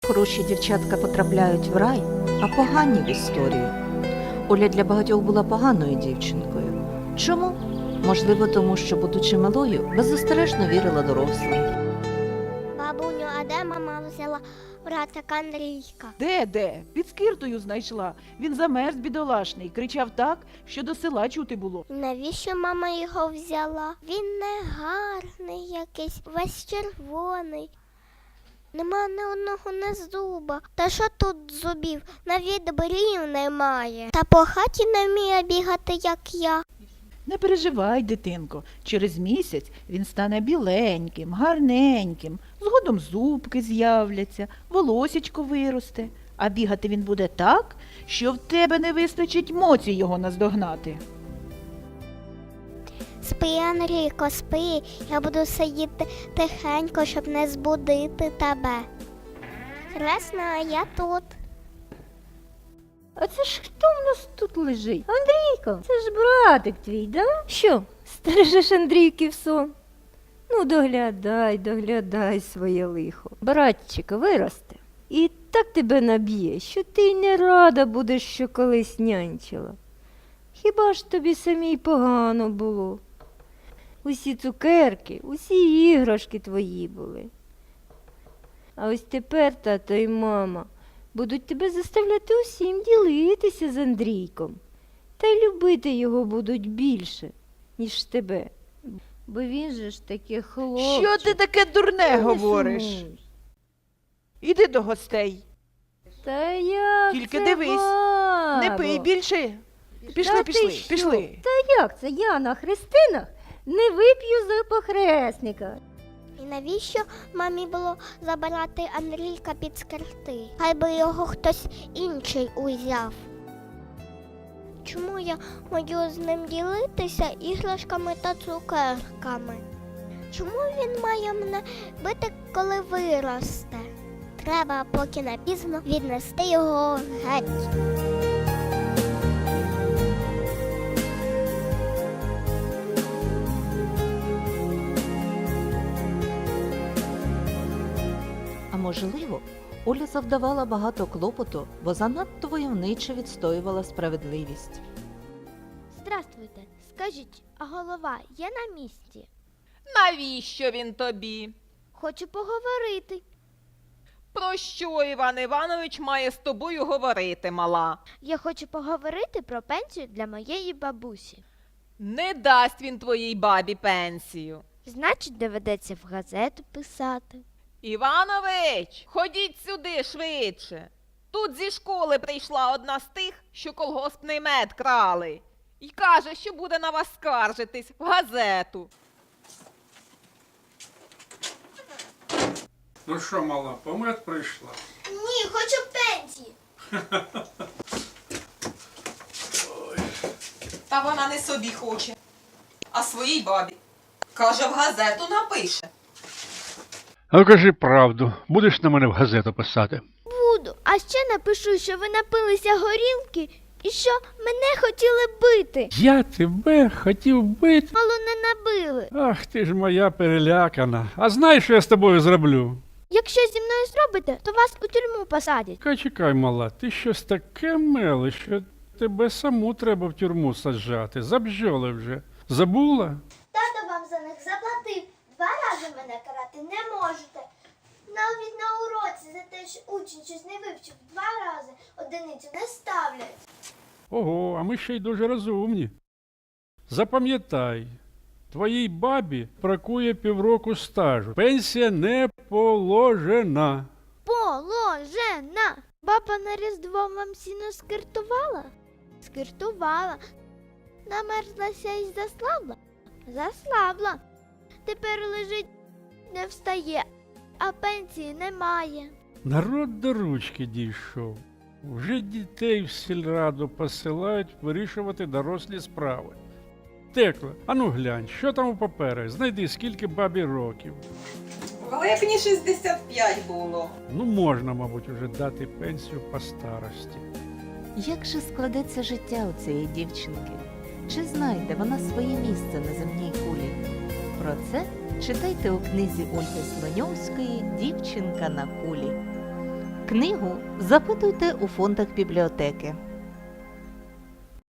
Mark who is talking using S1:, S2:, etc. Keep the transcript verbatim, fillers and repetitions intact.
S1: Хороші дівчатка потрапляють в рай, а погані в історію. Оля для багатьох була поганою дівчинкою. Чому? Можливо, тому що, будучи малою, беззастережно вірила дорослим.
S2: Бабуню, а де мама взяла братика Андрійка?
S3: Де, де? Під скиртою знайшла. Він замерз бідолашний, кричав так, що до села чути було.
S2: Навіщо мама його взяла? Він не гарний якийсь, весь червоний. Нема ні одного не зуба. Та що тут зубів? Навіть брів немає. Та по хаті не вміє бігати, як я.
S3: Не переживай, дитинко, через місяць він стане біленьким, гарненьким, згодом зубки з'являться, волосічко виросте, а бігати він буде так, що в тебе не вистачить моці його наздогнати.
S2: Спи, Андрійко, спи. Я буду сидіти тихенько, щоб не збудити тебе. Кресна, а я тут.
S4: А це ж хто в нас тут лежить? Андрійко, це ж братик твій, да? Що, стережеш Андрійків сон? Ну, доглядай, доглядай своє лихо. Братчика виросте і так тебе наб'є, що ти й не рада будеш, що колись нянчила. Хіба ж тобі самій погано було? Усі цукерки, усі іграшки твої були. А ось тепер тато і мама будуть тебе заставляти усім ділитися з Андрійком. Та й любити його будуть більше, ніж тебе. Бо він же ж таке хлопчик.
S3: Що ти таке дурне
S4: Та не
S3: говориш?
S4: сумуй.
S3: Іди до гостей.
S4: Та як
S3: Тільки
S4: це,
S3: дивись,
S4: бабо?
S3: Не пий більше. Пішли,
S4: Та
S3: пішли,
S4: ти що?
S3: пішли.
S4: Та як це я на хрестинах не вип'ю за похресника?
S2: І навіщо мамі було забирати Андрійка під скирти? Хай би його хтось інший узяв. Чому я маю з ним ділитися іграшками та цукерками? Чому він має мене бити, коли виросте? Треба, поки не пізно, віднести його геть.
S1: А можливо, Оля завдавала багато клопоту, бо занадто войовниче відстоювала справедливість.
S2: Здравствуйте. Скажіть, а голова є на місці?
S5: Навіщо він тобі?
S2: Хочу поговорити.
S5: Про що Іван Іванович має з тобою говорити, мала?
S2: Я хочу поговорити про пенсію для моєї бабусі.
S5: Не дасть він твоїй бабі пенсію.
S2: Значить, доведеться в газету писати.
S5: Іванович, ходіть сюди швидше. Тут зі школи прийшла одна з тих, що колгоспний мед крали. І каже, що буде на вас скаржитись в газету.
S6: Ну що, мала, помет прийшла?
S2: Ні, хочу пенсії.
S5: Та вона не собі хоче, а своїй бабі. Каже, в газету напише.
S6: А ну кажи правду, будеш на мене в газету писати?
S2: Буду. А ще напишу, що ви напилися горілки і що мене хотіли бити.
S6: Я тебе хотів бити?
S2: Мало не набили.
S6: Ах, ти ж моя перелякана. А знаєш, що я з тобою зроблю?
S2: Якщо зі мною зробите, то вас у тюрму посадять.
S6: Чекай, чекай, мала, ти щось таке меле, що тебе саму треба в тюрму саджати. Забжоли вже. Забула?
S2: Тато вам за них заплатив. Два рази мене карати не можете. Навіть на уроці за те, що учень щось не вивчив, два рази одиницю не ставлять.
S6: Ого, а ми ще й дуже розумні. Запам'ятай, твоїй бабі бракує півроку стажу. Пенсія не положена.
S2: Положена. Баба на Різдво вам сіно скиртувала? Скиртувала. Намерзлася і заслабла? Заслабла. Тепер лежить, не встає, а пенсії немає.
S6: Народ до ручки дійшов. Вже дітей в сільраду посилають вирішувати дорослі справи. Текла, ану глянь, що там у паперах? Знайди, скільки бабі років.
S5: В липні шістдесят п'ять було.
S6: Ну, можна, мабуть, уже дати пенсію по старості.
S1: Як же складеться життя у цієї дівчинки? Чи знайде вона своє місце на земній кулі? Про це читайте у книзі Ольги Слоньовської «Дівчинка на кулі». Книгу запитуйте у фондах бібліотеки.